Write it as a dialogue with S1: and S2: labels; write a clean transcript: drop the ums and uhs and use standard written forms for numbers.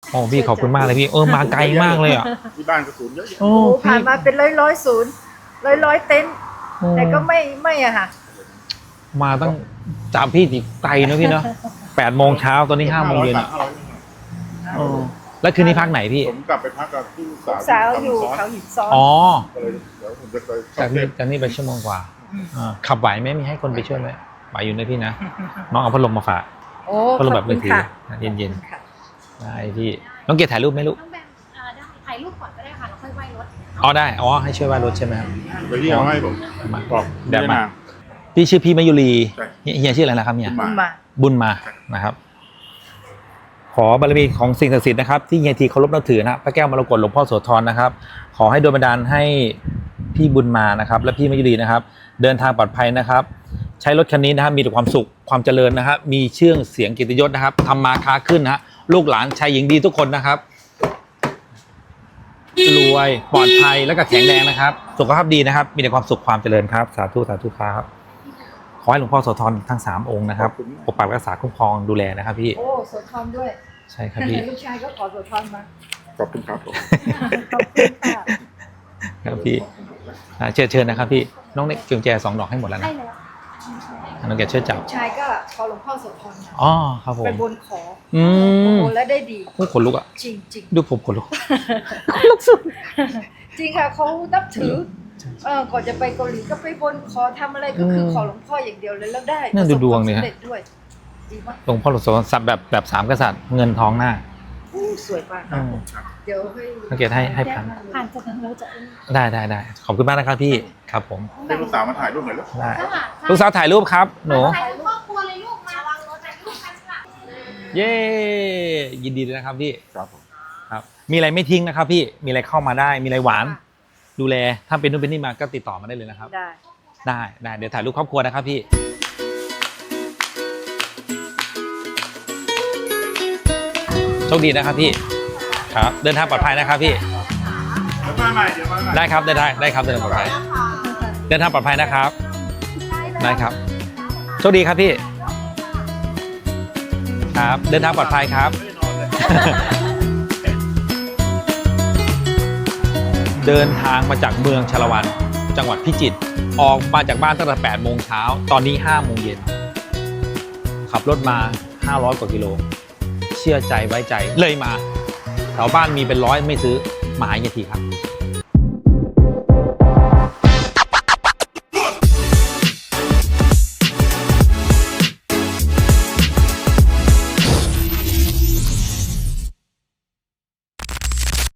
S1: โอ้พี่ขอบคุณมากเลยพี่มาไกลมากเลยอ่ะ
S2: ที่บ้านก็ศูนย์เยอะแยะ
S1: โอ้
S3: ผ่านมาเป็นร้อยศูนย์ร้อยเต็นท์แต่ก็ไม่อะค่ะ
S1: มาตั้งจากพี่ติไกลนะพี่เนาะ8 โมงเช้าตอนนี้5 โมงเย็น แล้วคืนนี้พักไหนพี่
S2: ผมกลับไปพักกับที่
S3: สาวอยู่เขาหินซ้อน
S1: อ๋อ
S2: ก็เลยเดี๋ยวผมจะไป
S1: จากนี้ไปชั่วโมงกว่าขับไหวไหมมีให้คนไปช่วยไหมไหวอยู่นะพี่นะน้องเอาพัดลมมาฝาก
S3: โอ้
S1: พัดลม
S3: ข
S1: แบ
S3: อ
S1: บบ มื
S3: คุ
S1: อ
S3: ณ
S1: ถือ
S3: ค่ะ
S1: เย็น
S3: ค่ะ
S1: ๆได้พี่น้องเกดถ่ายรูปไหมลูก
S4: น้องแบมได้ถ่ายรูปก่อนก็ได้ค่ะแล้วค่อยไหว้รถ
S1: ได้ให้ช่วยว่ายรถใช่ไหมครับ
S2: ไปที่เอาให้ผมบอก
S1: เดี๋ยวมา
S2: นาง
S1: พี่ชื่อพี่มายุรี
S2: ใช่
S1: เฮียชื่ออะไรนะครับเนี่ย
S2: บุญมา
S1: บุญมานะครับ ขอบารมีของสิ่งศักดิ์สิทธิ์นะครับที่เฮียทีเคารพนับถือนะพระแก้วมรกตหลวงพ่อโสธรนะครับ ขอให้โดนบันดาลให้พี่บุญมานะครับ และพี่มายุรีนะครับ เดินทางปลอดภัยนะครับ ใช้รถคันนี้นะครับมีแต่ความสุขความเจริญนะครับมีชื่อเสียงเกียรติยศนะครับทำมาค้าขึ้นนะฮะลูกหลานชายหญิงดีทุกคนนะครับรวยปลอดภัยและก็แข็งแรงนะครับสุขภาพดีนะครับมีแต่ความสุขความเจริญครับสาธุสาธุครับขอให้หลวงพ่อโสธรทั้ง3 องค์นะครับปกปักรักษาคุ้มครองดูแลนะครับพี่
S3: โอ้โสธรด้วย
S1: ใช่ครับพี่
S3: ลูกชายก็ขอโสธรมา
S2: ขอบคุณครับผม
S3: ขอบคุณค่ะ
S1: ครับพี่เชิญนะครับพี่น้องเน็กเกียงแจ2 ดอกให้หมดแล้วนะ
S4: ได้แล้ว
S1: น้องแกช่วยจับ
S3: ลูกชายก็ขอหลวงพ่อโสธรมา
S1: อ๋อครับผม
S3: ไปบนขอ
S1: อื
S3: โอ้
S1: ม
S3: โหแล้วได้ดี
S1: ขนลุกอ่ะ
S3: จริงจริง
S1: ดูผมขนลุก
S3: จริงค่ะเขานับถือก่อนจะไปเกาหลีก็ไปบนขอทำอะไรก็คือขอหลวงพ่ออย่างเดียวเลยแล้วได้
S1: นั่นดูดวงเนี่ยฮะ
S3: ประสบความสำเร็จด้วยดีมาก
S1: หลวงพ่อหลวงโสธรสับแบบ3 กษัตริย์เงินทองหน้า
S3: อู้สวยมาก
S1: อืม
S3: เดี๋ยวให้
S1: น้องเกดให้พัน
S4: ผ่านจากทางเราจะ
S1: ได้ขอบคุณมากนะครับพี่ครับผม
S2: เรียกลูกสาวมาถ่ายรูปหน่อยลูก
S1: ได้
S4: ค่ะ
S1: ลูกสาวถ่ายรูปครับหนู
S4: ถ่ายรูปครอบครัวเลยลูกมาวางรถถ่ายรูปกันค่ะ
S1: เย้ยินดีด้วยนะครับพี่
S2: ครับผม
S1: ครับมีอะไรไม่ทิ้งนะครับพี่มีอะไรเข้ามาได้มีอะไรหวานดูแลถ้าเป็นนู่นเป็นนี่มาก็ติดต่อมาได้เลยนะครับ
S3: ได้
S1: เดี๋ยวถ่ายรูปครอบครัวนะครับพี่โชคดีนะครับพี่ครับเดินทางปลอดภัยนะครับพี่
S2: เดี๋ยวมาใหม่
S1: ได้ครับได้ครับเดินทางปลอดภัยเดินทางปลอดภัยนะครับได้ครับโชคดีครับพี่ครับเดินทางปลอดภัยครับ เดินทางมาจากเมืองชาละวันจังหวัดพิจิตรออกมาจากบ้านตั้งแต่8 โมงเช้าตอนนี้5 โมงเย็นขับรถมา500 กว่ากิโลเชื่อใจไว้ใจเลยมาแถวบ้านมีเป็น100ไม่ซื้อมาหาเฮียทีครับ